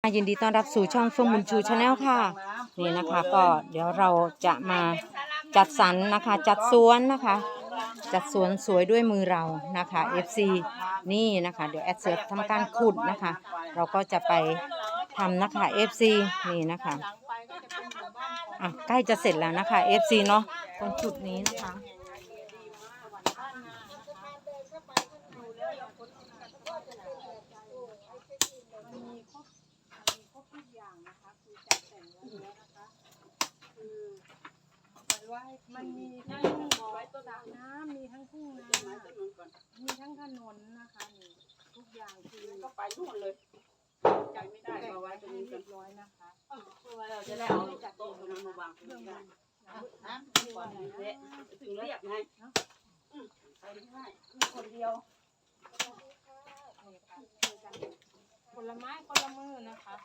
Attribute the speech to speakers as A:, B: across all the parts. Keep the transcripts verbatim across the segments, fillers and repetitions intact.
A: ยินดีต้อนรับสู่ช่องเฟื่องบุญชูชาแนลค่ะนี่นะคะก็เดี๋ยวเราจะมาจัดสรรนะคะจัดสวนนะคะจัดสวนสวยด้วยมือเรานะคะ เอฟ ซี นี่นะคะเดี๋ยวแอดเสือทำการขุดนะคะเราก็จะไปทำนะคะ เอฟ ซี นี่นะคะอ่ะใกล้จะเสร็จแล้วนะคะ เอฟ ซี เนาะตรงจุดนี้นะคะ
B: มันมีทั้งบ่อสระน้ำมีทั้งทุ่งนามีทั้งถนนนะคะนี่ทุกอย่างคือก็ไปนู่นเลยใจไม่ได้เอาไว้ตรงนี้เรียบร้อยนะคะเราจะได้เอาจัดโต๊ะตรงนั้นมาวางตรงนี้ได้นะถึงเรียบไงไปได้มีคนเดียวผลไม้คนละมือนะคะ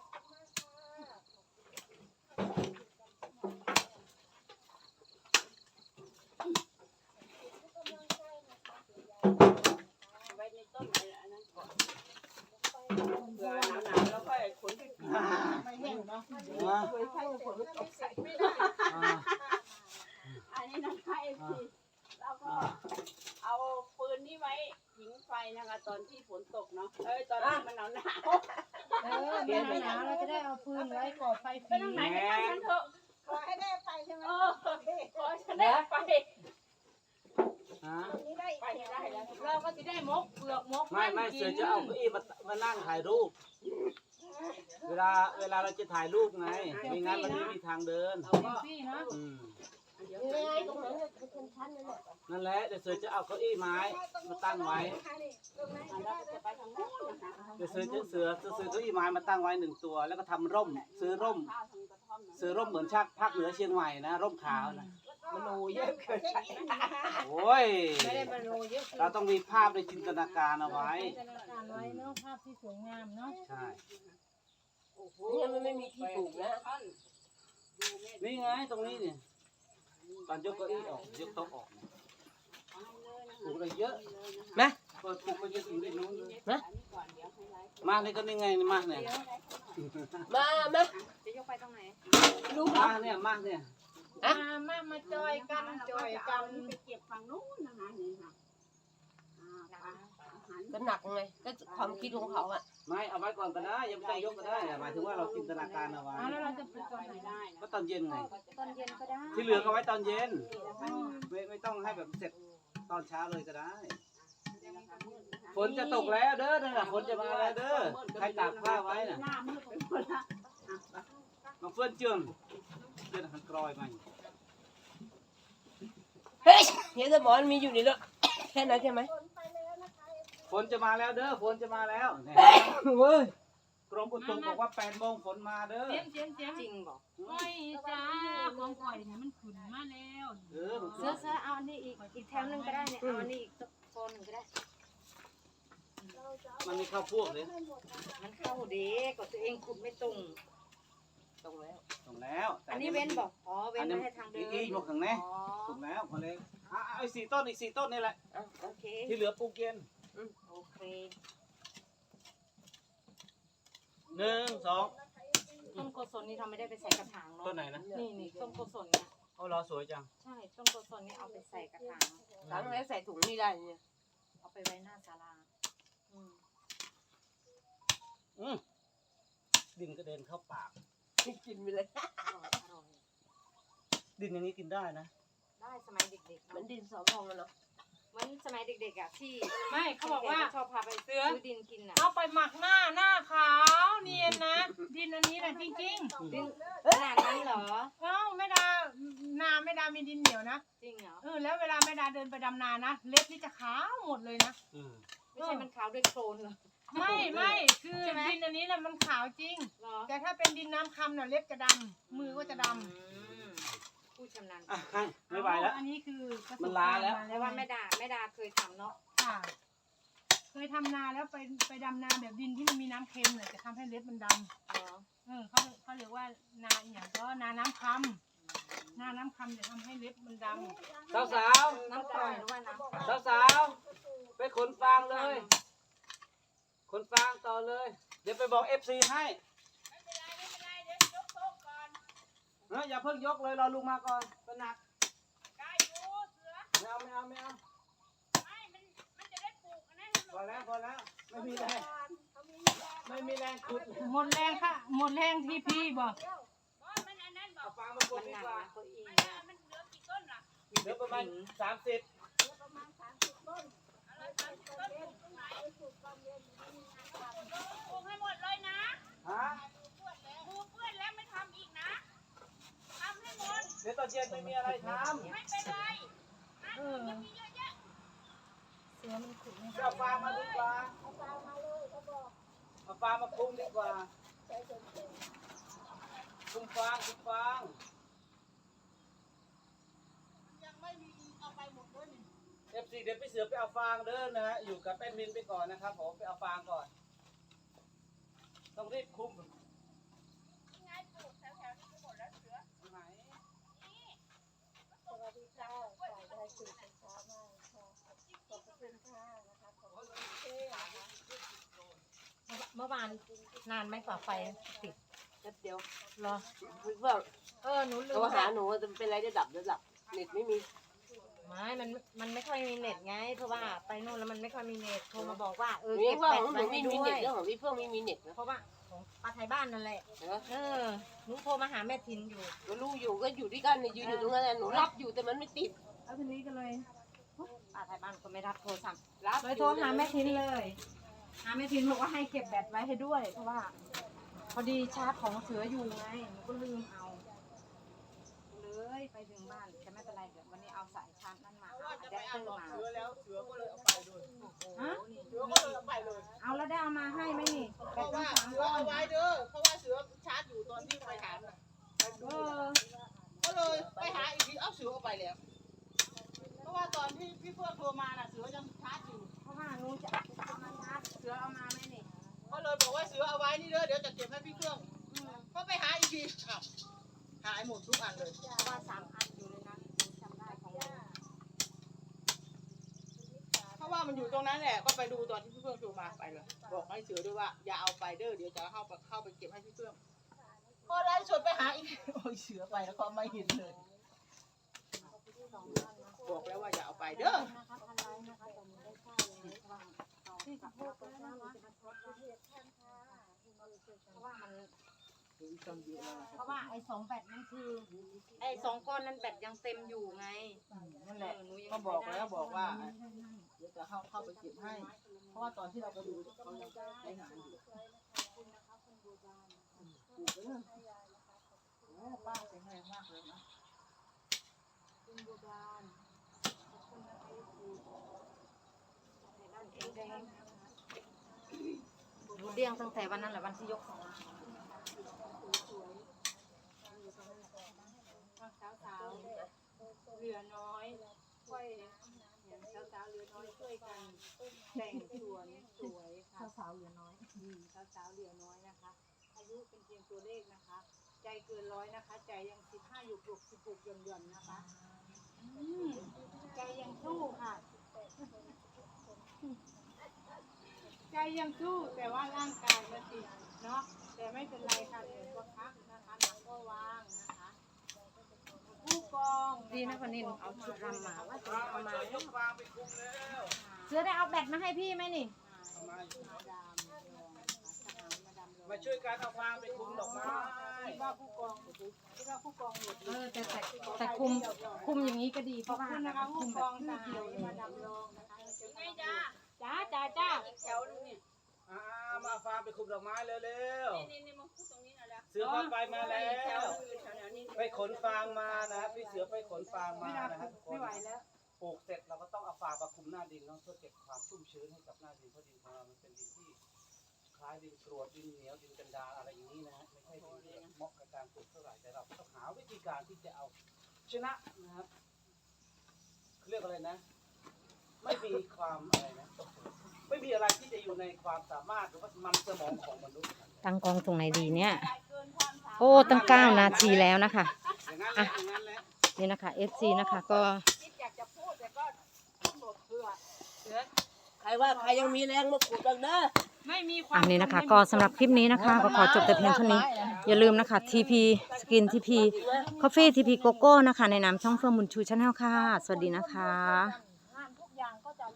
B: อันนี้นะคะเอฟซีแล้วก็เอาปืนนี่ไว้หิงไฟนะคะตอนที่ฝนตกเนาะเอ้ยตอนที่มันหนาวหนาวเออเดี๋ยวหนาวเราจะได้เอาปืนไว้ก่อไฟฟรีไปทางไหนกันเถอะขอให้ได้ไฟใช่ไหมขอให้ได้ไฟไปได้แล้วเราก็จะได้มกเปลือกมก
C: ไม่ไม่เสือจะเอาเก้าอี้มามานั่งถ่ายรูปเวลาเวลาเราจะถ่ายรูปไงไม่งั้นมันไม่มีทางเดินอืมนั่นแหละเดี๋ยวเสือจะเอาเก้าอี้ไม้มาตั้งไว้เดี๋ยวเสือจะเสือจะซื้อเก้าอี้ไม้มาตั้งไว้หนึ่งตัวแล้วก็ทำร่มซื้อร่มซื้อร่มเหมือนชาติภาคเหนือเชียงใหม่นะร่มขาวนะ
B: มโนเยอะเกินไป
C: โอ้ย
B: ไม่ได้มโนเยอะ
C: เราต้องมีภาพในจินตนาการเอาไว้
B: จินตนาการไว้เนาะภาพที่สวยงามเนาะ
C: ใช่
B: นี่มันไม่มีที่ปลูกนะ
C: นี่ไงตรงนี้เนี่ยตอนยกเก้าอี้ออกยกโต๊ะออกปลูกอะไรเยอะนะเปิดปลูกไปจนถึงที่นู้นเลยนะมาเลยก็นี่ไงมาเนี่ย
B: มามา
A: จะยกไปตรงไหน
C: ลูกมาเนี่ยมาเนี่ย
B: อ่ะมามาจอยกันจอยกัน
A: ไปเก็บฝั่งนู้นนะคะนี่ค่ะ
B: ก็หนักไงก็ความคิดของเขาอ่ะ
C: ไม่เอาไว้ก่อนก็ได้ยังไม่ต้องยกก็ได้หมายถึงว่าเราจินตนาการเอาไว้
B: แล้วเราจะปลูกตอนไหนได้
C: ก็ตอนเย็นไง
A: ตอนเย็นก็ได้
C: ที่เหลือก็ไว้ตอนเย็นไม่ไม่ต้องให้แบบเสร็จตอนเช้าเลยก็ได้ฝนจะตกแล้วเด้อนั่นแหละฝนจะมาแล้วเด้อใครตากผ้าไว้น่ะมาเฟื่อนเจืองเจืองหันกรอยมา
B: เฮ้ยเห็นสมอนมีอยู่ในรถแค่นั้นใช่ไหม
C: ฝนจะมาแล้วเด้อฝนจะมาแล้วเฮ้ยกรมอุตุบอกว่าแปดโมงฝนมาเด้อ
B: เสียงเสียงเสียง
A: จริงบอก
B: ไม่จ้าของข่อยเนี่ยมันขึ้นมาแล้ว
C: เออ
A: เสื้อเสื้อเอาอันนี้อีกอีกแถวนึงก็ได้เนี่ยเอาอันนี้อีกโซนหนึ่งก็ได้
C: มันไม่เข้าพวกเลย
A: มันเข้าเด็กก็ตัวเองขุดไม่ตรง
C: ตรงแล้วตรงแล้ว
A: อันนี้เว้นบอกอ๋อเว้นไม่ให้ทางเดิน
C: อีกหมดข้างในถูกแล้วพอเลยอ่ะไอ้สี่ต้นอีกสี่ต้นนี่แหละ
A: โอเค
C: ที่เหลือปลูกเย็น
A: โอเค
C: หนึ่งสอง
A: ต้นโกศลนี่ทำไม่ได้ไปใส่กระถางเนาะ
C: ต้นไหนนะ
A: นี่นี่ต้นโกศลเนี่ย
C: โอ้รอสวยจัง
A: ใช่ต้นโกศลนี่เอาไปใส่กระถาง
B: หลังแล้วใส่ถุงนี่ได้เนี่ย
A: เอาไปไว้หน้าศาลา
C: อืมอืมดินกระเด็นเข้าปาก
B: กินไปเลย
A: อร่อยอร่อย
C: ดินอย่างนี้กินได้นะ
A: ได้สมัยเด็กๆ
B: เหมือนดินสอพองเนาะ
A: เหมือนสมัยเด็กๆอ่ะที่
B: ไม่เขาบอกว่า
A: ชอบพาไปซื้อดินกินอ่ะ
B: เอาไปหมักหน้าหน้าขาวเนียนนะดินอันนี้นะจริงจริง
A: ดินขนาดนั้นเหรอ
B: เอ้าไม่ดานาไม่ดามีดินเหนียวนะ
A: จริงเหรอ
B: เออแล้วเวลาไม่ดาเดินไปดำนานะเล็บนี่จะขาวหมดเลยนะ
A: ไม่ใช่มันขาวด้วยโคลนเหรอ
B: ไม่ไม่คือดินอันนี้นะมันขาวจริงแต่ถ้าเป็นดินน้ำคำน่ะเล็บจะดำมือก็จะดำ
A: ผู้ชำนาญ
C: ไม่ไหวแล้ว
B: อันนี้คือ
C: มันลาแล้ว
A: แต่ว่าแม่ดาแม่ดาเคยทำเนาะ
B: ค่ะเคยทำนาแล้วไปไปดำนาแบบดินที่มันมีน้ำเค็มเนี่ยจะทำให้เล็บมันดำเออเขาเขาเรียกว่านาอย่างก็นาน้ำคำนาน้ำคำจะทำให้เล็บมันดำ
C: สาวสาว
A: น้ำปล่อยหรือว่าน้ำ
C: สาวสาวไปขนฟางเลยขนฟางต่อเลยเดี๋ยวไปบอกเอฟซีให้เนาะอย่าเพิ่งยกเลยรอลุงมาก่อนเป็นหนัก
B: กายอยู่เสือ
C: ไม่เอาไม่เอาไม่เอา
B: ไม่มันมันจะได้ปลูกอันนั้น
C: พอแล้วพอแล้วไม่มีแรงไม่มีแรงขุด
B: หมดแรงค่ะหมดแรงที่พี่บอก
D: มันอันนั้นบอ
C: เอา
D: ก
C: ฟางมาปลูกดีกว่า
D: มันมันเหลือกี่ต้นล่ะ
C: เดี๋ยวประมาณสามสิบ
D: อะไรสามสิบต้นปลูกตรงไหนปลูกให้หมดเลยนะ
C: ฮะ
D: ปลูกเพื่อนแล้วไม่ทำอีกนะทำให้หมด
C: เดี๋ยวตอนเย็นไม่มีอะไรทำ
D: ไม่เป็นไรนะ
B: เออ
D: ยังมีเยอะแยะ
B: เสือมันขุดไม่ได้
C: เอาฟางมาดีกว่าเอาฟางมาปรุงดีกว่าปรุงฟางปรุงฟาง
D: ยังไม่มีเอาไปหมดด้วยนี่
C: เอฟซีเดี๋ยวพี่เสือไปเอาฟางเด้อนะฮะอยู่กับแป้นมินไปก่อนนะครับผมไปเอาฟางก่อน ต้องรีบคุ้ม
D: ยังไงปลูกแถวๆนี้ก็หมดแล้วเสือ
C: ไหน
D: สวัสดีค่ะสวัสดีค่ะ
A: เมื่อวานนานไหมกว่าไฟติด
E: แป๊บเดียว
A: เหรอ
E: คือว่า
A: เออหนูลื
E: โทร
A: ม
E: หาหนูจะเป็นไรจะดับจะดับเน็ตไม่มี
A: ไม่มันมันไม่ค่อยมีเน็ตไง เพราะว่าไปนู่นแล้วมันไม่ค่อยมีเน็ตโทรมาบอกว่าเอ
E: ห
A: อ
E: นูยั
A: เก็
E: ง
A: บ
E: ว่า
A: แบ
E: ข
A: ต
E: องห
A: ไว้
E: นู
A: ให้
E: ไม่มี
A: ด้ว
E: เน็ต
A: ย
E: เรื่องของพี่เฟื่องไม่มีเน็ตนะ
A: เพราะว่าของป้าไทยบ้านนั่นแหละ
E: เห็นไหม
A: เออหนูโทรมาหาแม่ทินอยู่
E: ก็รู้อยู่ก็อยู่ด้วยกันเนี่ยยืนอยู่ตรงนั้นน่ะหนูรับอยู่แต่มันไม่ติด
B: แล้วทีนี้ก็เลย
A: ป้าไทยบ้านก็ไม่รับโทรศัพท์
E: รับ
A: เลยโทรหาแม่ทินเลย หาแม่ทินบอกว่าให้เก็บแบตไว้ให้ด้วย เพราะว่า พอดีชาร์จของเสืออยู่ไงหนูก็ลืมเอาเลยไปถึงบ้านแต่ไม่เป็นไรเดี๋ยววันนี้เอาสายชาร์จนั่นมาเอาอะแดปเตอร์มา
C: เสือแล้วเสือก็เลยเอาไปด้วย
A: ฮะ
C: เสือก็เลยเอาไปเลย
A: เอาแล้วได้เอามาให้ไหมนี่
F: เพ
A: แบต
F: ราะ
A: ตั้ง
F: ว่า
A: สาม
F: เสือ
A: ก้อน
F: เอาไว้เด้อ เพราะว่าเสือชาร์จอยู่ตอนที่ไปถามน่ะ
A: เออ
F: ก็เลยไปหาอีกที เอ้าเสือเอาไปแล้ว เพราะว่าตอนที่พี่เพื่อนโทรมาน่ะเสือยังชาร์จอยู่
A: เพราะว่าหนูจะเอามาชาร์จเสือเอามาไหมนี่
F: ก็เลยบอกว่าเสือเอาไว้นี่เด้อ เดี๋ยวจะเก็บให้พี่เครื่องก็ไปหาอีกทีอ้าวหายหมดทุกอันเลย
A: เพราะว่าสามอันอยู่ในนั้นหนูจำได้ของหนู
F: เพราะว่ามันอยู่ตรงนั้นแหละ ก็ไปดูตอนที่พี่เพื่อนโทรมาไปเลย บอกให้เสือด้วยว่าอย่าเอาไปเด้อ เดี๋ยวจะเข้าไปเข้าไปเก็บให้พี่เครื่องพอไล่สดไปหาอีก โอ้ยเสือไปแล้วก็ไม่เห็นเลย บอกแล้วว่าอย่าเอาไปเด้อ
A: เพราะว่ามันเพราะว่าไอ้สองแบตนั่นคือ ไอ้สองก้อนนั้นแบตยังเต็มอยู่ไง
F: นั่นแหละ
A: เออหนูยัง
F: ก็บอกแล้วบอกว่าเดี๋ยวจะเข้าเข้าไปเก็บให้ เพราะว่าตอนที่เราไปดูเขายังใช้งานอยู่ปลูกไปเลยโอ้ป้าแข็งแรงมากเลยนะ
A: หนูเลี้ยงตั้งแต่วันนั้นแหละวันที่ยกของ
B: สาวๆเหลือน้อยค่อยอย่างสาวๆเหลือน้อยช่วยกันแต่งสวนสวยค่ะ
A: สาวเหลือน้อย
B: อืมสาวๆเหลือน้อยนะคะ อายุเป็นเพียงตัวเลขนะคะ ใจเกินร้อยนะคะ ใจยังสิบห้าอยู่ปลุกสิบหกหย่อนๆนะคะอืมใจยังสู้ค่ะ ใจยังสู้แต่ว่าร่างกายมันติดเนาะแต่ไม่เป็นไรค่ะเดี๋ยวก็พักนะคะหนังก็วางนะคะผู้กอง
A: ดีนะคนนี้หนูเอาชุดรำมาว่าจะเอามา
C: ช่วยยกฟางไปคุมแล้ว
A: เสือได้เอาแบตมาให้พี่ไหมนี่
C: เอามา
B: มาดามรองนะคะทหารมาดามรอง
C: มาช่วยกันเอาฟางไปคุมดอกไม้
B: คิดว่าผู้กองคิดว่าผู้กองหลุด
A: เออแต่แต่แต่คุมคุมอย่างนี้ก็ดีเพ
B: ขอบ
A: ราะว่า
B: คุณนะคะ
A: คุ
B: ผู้
A: ม
B: ก
A: แบบ
B: องทหารมาดามรองนะคะ
D: ไงจ้า
B: จ้าจ้าจ้า
D: อีกแถวนึงเนี่ย
C: อ่ามาเอาฟางไปคุมดอกไม้เร็ว
D: นี่นี่มาพูดตรงนี้หน่อยแล้ว
C: ๆเสือพาไปมาแล้
D: แถว
C: ว
D: อยู่แถวๆนี้
C: ไปขนฟางมานะพี่เสือไปขนฟางมา
B: ไม่ได้
C: นะครับทุกค
B: ไม่
C: น
B: ไหวแล้ว
C: ปลูกเสร็จเราก็ต้องเอาฟางมาคุมหน้าดินเนาะเพื่อเก็บความชุ่มชื้นให้กับหน้าดินเพราะดินของเรามันเป็นดินที่คล้ายดินกรวดดินเหนียวดินกันดารอะไรอย่างนี้นะฮะไม่ใช่ดินที่เหมาะกับการปลูกเท่าไหร่แต่เราต้องหาวิธีการที่จะเอาชนะนะครับเขาเรียกอะไรนะ ไม่มีความอะไรนะไม่มีอะไรที่จะอยู่ในความสามารถหรือว่ามันสมองของมนุษย์
A: ตั้งกองตรงไหนดีเนี่ย
D: เกินความสามารถ
A: โอ้ตั้งเก้านาทีแล้วนะคะ
C: อย่างนั้นแหละอย่างนั้นแหละ
A: นี่นะคะ เอฟ ซี นะคะก็
D: คิดอยากจะพูดแต่ก็หมดเพื่อ
E: ใครว่าใครยังมีแรงมาขุดกันเด้อ
B: ไม่มีความ
A: อันนี้นะคะก็สำหรับคลิปนี้นะคะก็ขอจบแต่เพียงเท่านี้อย่าลืมนะคะ ที พี Skin ที พี Coffee ที พี Coco นะคะในนามช่องเฟื่องบุญชูชาแนลค่ะสวัสดีนะคะ
B: งานทุกอย่างก็จะ